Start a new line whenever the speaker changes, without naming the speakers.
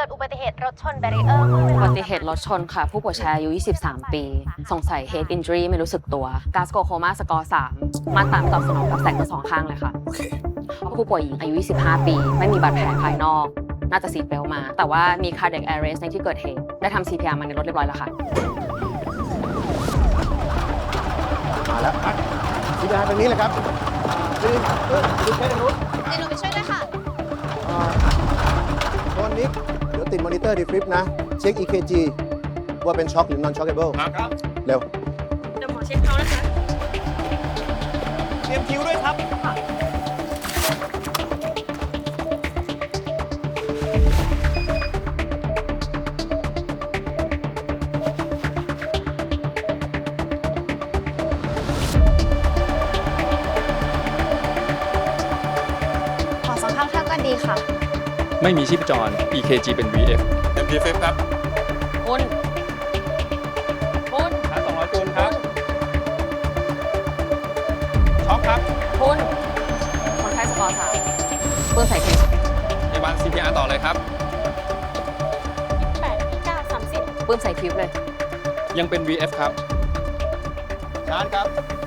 กิดอุบัติเหตุรถชนแบรีเออร์
อุบัติเหตุรถชนค่ะ ผู้ป่วยชายอายุ 23 ปี สงสัย head injury ไม่รู้สึกตัวกาสโกโคมาสกอร์ 3 มาตามตอบสนองกับแสงทั้งสองข้างเลยค่ะ
โอเค
ผู้ป่วยหญิงอายุ 25 ปี ไม่มีบาดแผลภายนอก น่าจะซีทเบลต์มา แต่ว่ามี cardiac arrest ในที่เกิดเหตุ ได้ทำ CPR มาในรถเรียบร้อยแล้วค่ะ
มาแล้วที่ด้านตรงนี้เลยครับดูแค่ตรงนู้น
เดี๋ยวหนูไปช่วยด้วยค่ะ
ตอนนี้เดี๋ยวติดมอนิเตอร์ดีฟริปนะ เช็ค EKG ว่าเป็นช็อคหรือ non shockable
ครับ
เร็ว
เดี๋ยวหมอเช็คเขานะคะ
เตรียมคิวด้วยครับ
ขอสองข้างเท่ากันดีค่ะ
ไม่มีชีพจร EKG เป็น VF
เต็มที่เฟฟครับ
คุณ
ชาร์จ200 จูลครับ ช็อคครับ
คุณคนไข้สกอร์ 3 ปืนใส่เทส
พยาบาล CPR ต่อเลยครับ
8 9 30
ปืนใส่ทิวเลย
ยังเป็น VF ครับ
ชาร์จครับ